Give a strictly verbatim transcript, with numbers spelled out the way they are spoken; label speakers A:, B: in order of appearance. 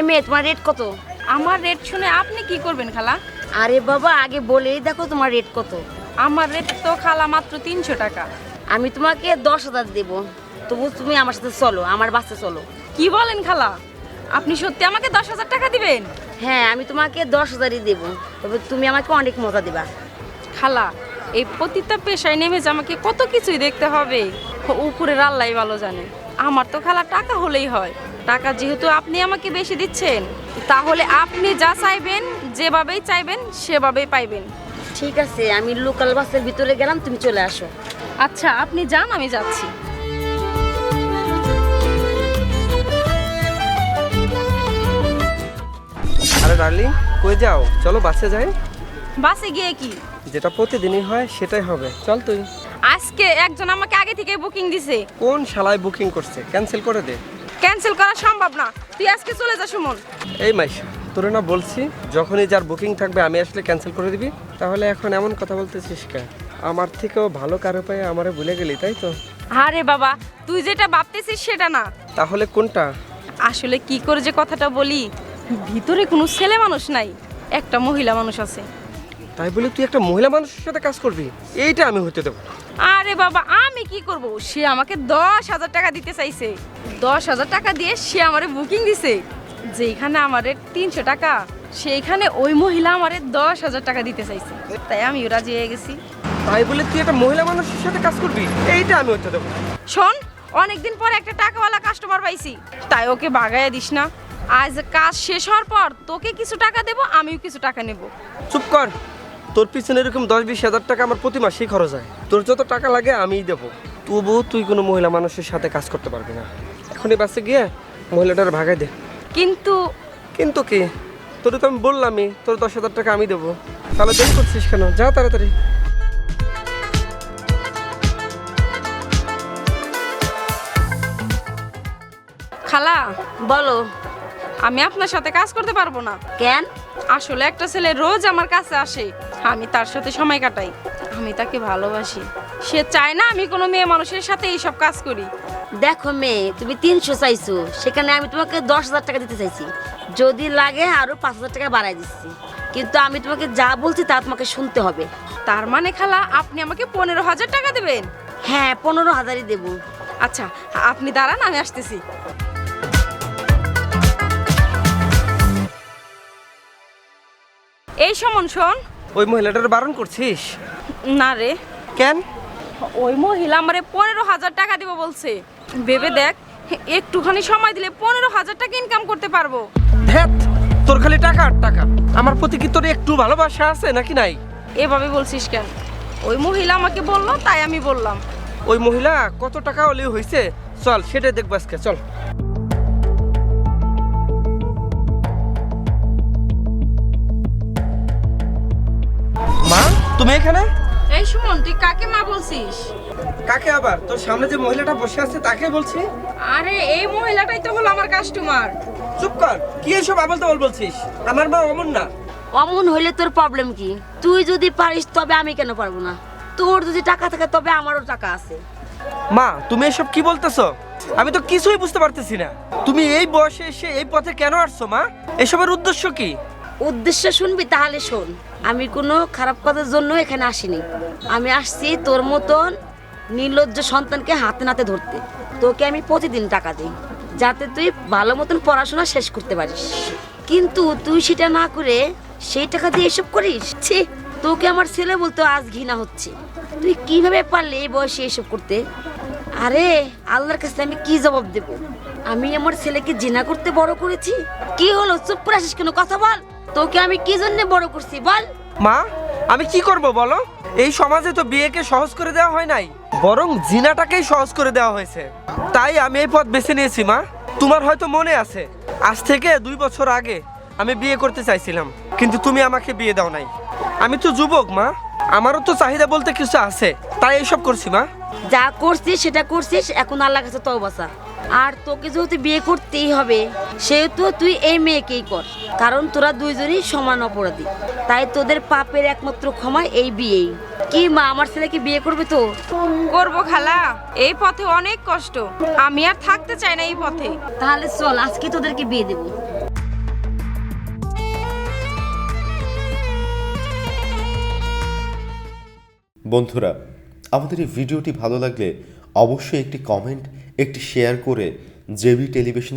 A: মেয়ে, তোমার রেট কত?
B: আমার রেট শুনে আপনি কি করবেন খালা?
A: আরে বাবা, আগে বলেই দেখো তোমার রেট কত।
B: আমার রেট তো খালা মাত্র তিনশো টাকা।
A: আমি তোমাকে দশ হাজার দেবো, তবু তুমি আমার সাথে চলো, আমার বাসে চলো।
B: কি বলেন খালা? আপনি সত্যি আমাকে দশ হাজার টাকা দিবেন?
A: হ্যাঁ, আমি তোমাকে দশ হাজারই দেবো, তবে তুমি আমাকে অনেক মজা দিবা।
B: খালা, এই পতিতা পেশায় নেমে যে আমাকে কত কিছুই দেখতে হবে, উপরের আল্লাহ ভালো জানে। আমার তো খালা টাকা হলেই হয়। টাকা যেহেতু আপনি আমাকে বেশি দিচ্ছেন, তাহলে আপনি যা চাইবেন, যেভাবেই চাইবেন সেভাবেই পাইবেন।
A: ঠিক আছে, আমি লোকাল বাসের ভিতরে গেলাম, তুমি চলে আসো।
B: আচ্ছা, আপনি যান, আমি যাচ্ছি।
C: আরে ডার্লিং, কই যাও? চলো বাসে যাই।
B: বাসে গিয়ে কি?
C: যেটা প্রতিদিনই হয় সেটাই হবে, চল তুই।
B: আজকে একজন আমাকে আগে থেকে বুকিং দিছে।
C: কোন শালায় বুকিং করছে? ক্যান্সেল করে দে।
B: ক্যান্সেল করা সম্ভব না, তুই আজকে চলে যা সুমন।
C: এই মাইশা, তোরে না বলছি যখনই যার বুকিং থাকবে আমি আসলে ক্যান্সেল করে দিবি? তাহলে এখন এমন কথা বলতেছিস কেন? আমার থেকেও ভালো কারো পায়ে আমারে ভুলে গেলি, তাই তো?
B: আরে বাবা, তুই যেটা ভাবতেছিস সেটা না।
C: তাহলে কোনটা?
B: আসলে কি করে যে কথাটা বলি, ভিতরে কোনো ছেলে মানুষ নাই, একটা মহিলা মানুষ আছে।
C: তাই বলে তুই একটা মহিলা মানুষের সাথে কাজ করবি? এইটা আমি হতে দেবো না।
B: আরে বাবা, আমি কি করব? সে আমাকে দশ হাজার টাকা দিতে চাইছে। দশ হাজার টাকা দিয়ে সে আমারে বুকিং দিছে। যেখানে আমারে তিনশো টাকা, সেইখানে ওই মহিলা আমারে দশ হাজার টাকা দিতে চাইছে। তাই আমি রাজি হয়ে গেছি।
C: তাই বলে তুই একটা মহিলা মানুষের সাথে কাজ করবি? এইটা আমি হতে দেবো না।
B: শোন, অনেকদিন পর একটা টাকাওয়ালা কাস্টমার পাইছি, তাই ওকে বাগাইয়া দিস না। আজ কাজ শেষ হওয়ার পর তোকে কিছু টাকা দেবো, আমিও কিছু টাকা নেব।
C: চুপ কর। তোর পিছনে এরকম দশ বিশ হাজার টাকা আমার প্রতি মাসেই খরচ হয়। তোর যত টাকা লাগে আমিই দেবো, তবুও তুই কোনো মহিলা মানুষের সাথে কাজ করতে পারবি না। এখনই বাসে গিয়ে মহিলাটার ভাগাই দে।
B: কিন্তু
C: কিন্তু কি? তোর তো আমি বললামই তোর দশ হাজার টাকা আমি দেবো। তাহলে দেরি করছিস কেন? যা তাড়াতাড়ি।
B: খালা,
A: বলো।
B: আমি আপনার সাথে কাজ করতে পারবো না।
A: কেন?
B: আসলে একটা ছেলে রোজ আমার কাছে আসে, আমি তার সাথে সময় কাটাই, আমি তাকে ভালোবাসি। সে চায় না আমি কোনো মেয়ে মানুষের সাথে এইসব কাজ করি।
A: দেখো মেয়ে, তুমি তিনশো চাইছো, সেখানে আমি তোমাকে দশ হাজার টাকা দিতে চাইছি। যদি লাগে আরো পাঁচ হাজার টাকা বাড়াই দিচ্ছি, কিন্তু আমি তোমাকে যা বলছি তা তোমাকে শুনতে হবে।
B: তার মানে খালা, আপনি আমাকে পনেরো হাজার টাকা দেবেন?
A: হ্যাঁ, পনেরো হাজারই দেবো।
B: আচ্ছা, আপনি দাঁড়ান, আমি আসতেছি। এই সমন, শোন।
C: ওই মহিলাটার বারণ করছিস?
B: না রে,
C: কেন?
B: ওই মহিলা আমারে পনেরো হাজার টাকা দিব বলছে। ভেবে দেখ, একটুখানি সময় দিলে পনেরো হাজার টাকা ইনকাম করতে পারবো।
C: ধ্যাত, তোর খালি টাকা আর টাকা। আমার প্রতি কি তোর একটু ভালোবাসা আছে নাকি নাই?
B: এভাবে বলছিস কেন? ওই মহিলা আমাকে বললো, তাই আমি বললাম।
C: ওই মহিলা কত টাকা হলে হয়েছে, চল সেটাই দেখবো আজকে, চল। মা, তুমি এখানে?
B: এই সুমন, তুই কাকে মা বলছিস?
C: কাকে আবার? তোর সামনে যে মহিলাটা বসে আছে তাকে বলছি।
B: আরে, এই মহিলাটাই তো হলো আমার কাস্টমার।
C: চুপ কর, কি এসব আবল তাবল বলছিস? আমার মা অমন না।
A: অমন হইলে তোর প্রবলেম কি? তুই যদি পারিস তবে আমি কেন পারবো না? তোর যদি টাকা থাকে তবে আমারও টাকা আছে।
C: মা, তুমি এসব কি বলতেছো? আমি তো কিছুই বুঝতে পারতেছি না। তুমি এই বয়সে এসে এই পথে কেন আসছো মা? এসবের উদ্দেশ্য কি?
A: উদ্দেশ্য শুনবি? তাহলে শোন। আমি কোনো খারাপ কাজের জন্য এখানে আসিনি। আমি আসছি তোর মতন নির্লজ্জ সন্তানকে হাতে নাতে ধরতে। তোকে আমি প্রতিদিন টাকা দিই যাতে তুই ভালো মতন পড়াশোনা শেষ করতে পারিস, কিন্তু তুই সেটা না করে সেই টাকা দিয়ে এসব করিস। ছি, তোকে আমার ছেলে বলতে আজ ঘৃণা হচ্ছে। তুই কিভাবে পারলি এই বয়সে এসব করতে? আরে, আল্লাহর কাছে আমি কি জবাব দেব? আমি আমার ছেলেকে জিনা করতে বড় করেছি। কি হলো, চুপ করে আসিস কেন? কথা বল। তোকে আমি কি জন্য বড় করছি বল?
C: মা, আমি কি করব বলো? এই সমাজে তো বিয়েকে সহজ করে দেওয়া হয় নাই, বরং জিনাটাকেই সহজ করে দেওয়া হয়েছে। তাই আমি এই পথ বেছে নিয়েছি মা। তোমার হয়তো মনে আছে, আজ থেকে দুই বছর আগে আমি বিয়ে করতে চাইছিলাম, কিন্তু তুমি আমাকে বিয়ে দাও নাই। আমি তো যুবক মা, আমারও তো চাহিদা বলতে কিছু আছে, তাই এইসব করছি মা।
A: যা করছিস সেটা করছিস, এখন আল্লাহর কাছে তওবা চা। আর তোকে যেহেতু বিয়ে করতেই হবে, সেহেতু তুই এই মেয়েকেই কর, কারণ তোরা দুইজনই সমান অপরাধী। তাই তোদের পাপের একমাত্র ক্ষমা এই বিয়েই। কি মা, আমার ছেলেকে বিয়ে করবে তো?
B: করবো খালা, এই পথে অনেক কষ্ট, আমি আর থাকতে চাই না এই পথে।
A: তাহলে চল, আজকে তোদেরকে বিয়ে দেবো।
D: বন্ধুরা, আমাদের এই ভিডিওটি ভালো লাগলে অবশ্যই একটি কমেন্ট, একটি শেয়ার করে জেবি টেলিভিশন